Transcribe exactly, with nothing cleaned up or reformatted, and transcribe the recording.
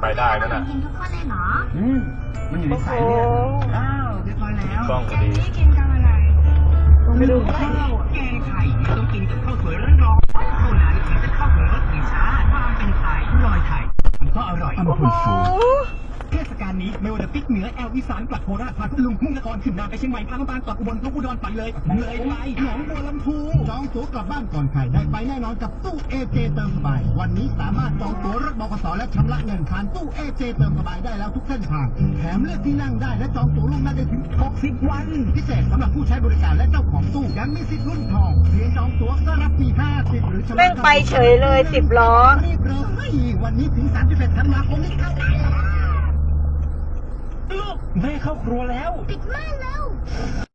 ไปได้นั่นน่ะกินทุกคนเลยเหรออืมมันอยู่ในสายเลือดอ้าวเรียบร้อยแล้วกล้องพอดีนี่กินกับอะไรต้องไปดูข้าวแกงไข่ต้องกินกับข้าวสวยร้อนๆเท่านั้นถึงจะเข้าถึงรสถึงชาติความเป็นไทยรอยไทยก็อร่อยโอ้โหเทศกาลนี้ไม่ว่าจะปิกเหนือแอลอีสานกลับโคราชพาทุลุงมุ่งนครขึ้นนานไปเชียงใหม่พาลำปางกลับอุบลกลับอุดรไปเลยเลยไปหนองบัวลำพูจองตั๋วกลับบ้านก่อนใครได้ไปแน่นอนกับตู้เอเจเติมสบายวันนี้สามารถจองตั๋วรถบขสและชำระเงินผ่านตู้เอเจเติมสบายได้แล้วทุกเส้นทางแถมเลือกที่นั่งได้และจองตั๋วล่วงหน้าได้ถึงหกสิบวันพิเศษสำหรับผู้ใช้บริการและเจ้าของตู้ยังมีสิทธิ์ลุ้นทองเพียงจองตั๋วก็รับฟรีห้าสิบหรือชำระแม่งไปเฉยเลยสิบล้อรีบเลยวันนี้ถึงสามสิบเอ็ดธันวาคมนี้เข้าได้แล้วลูกแม่เข้าครัวแล้วปิดม่านแล้ว